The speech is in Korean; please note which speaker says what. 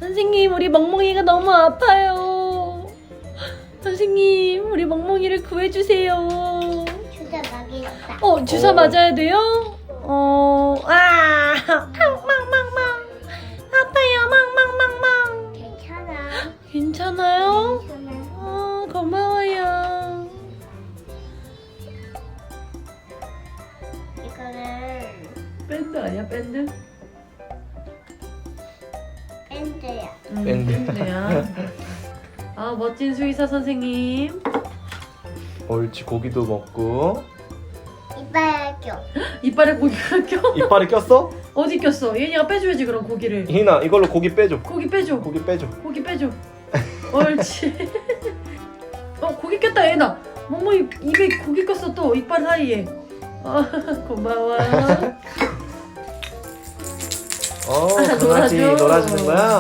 Speaker 1: 선생님, 우리 멍멍이가 너무 아파요. 선생님, 우리 멍멍이를 구해주세요.
Speaker 2: 주사 맞겠다.
Speaker 1: 주사 맞아야 돼요? 망망망망. 아파요, 망망망망.
Speaker 2: 괜찮아.
Speaker 1: 괜찮아요?
Speaker 2: 괜찮아.
Speaker 1: 고마워요.
Speaker 2: 이거는
Speaker 1: 밴드 아니야, 밴드?
Speaker 2: 밴드야.
Speaker 3: 밴드.
Speaker 1: 밴드야. 멋진 수의사 선생님.
Speaker 3: 옳지, 고기도 먹고.
Speaker 2: 이빨 껴.
Speaker 1: 이빨에 고기가 껴?
Speaker 3: 이빨에 꼈어?
Speaker 1: 어디 꼈어? 얘네가 빼줘야지 그럼 고기를.
Speaker 3: 희나, 이걸로 고기 빼줘.
Speaker 1: 고기 빼줘.
Speaker 3: 고기 빼줘.
Speaker 1: 고기 빼줘. 옳지. 고기 꼈다 얘나. 멍멍이 입에 고기 꼈어 또 이빨 사이에. 고마워.
Speaker 3: 강아지
Speaker 1: 놀아줘.
Speaker 3: 놀아주는 거야?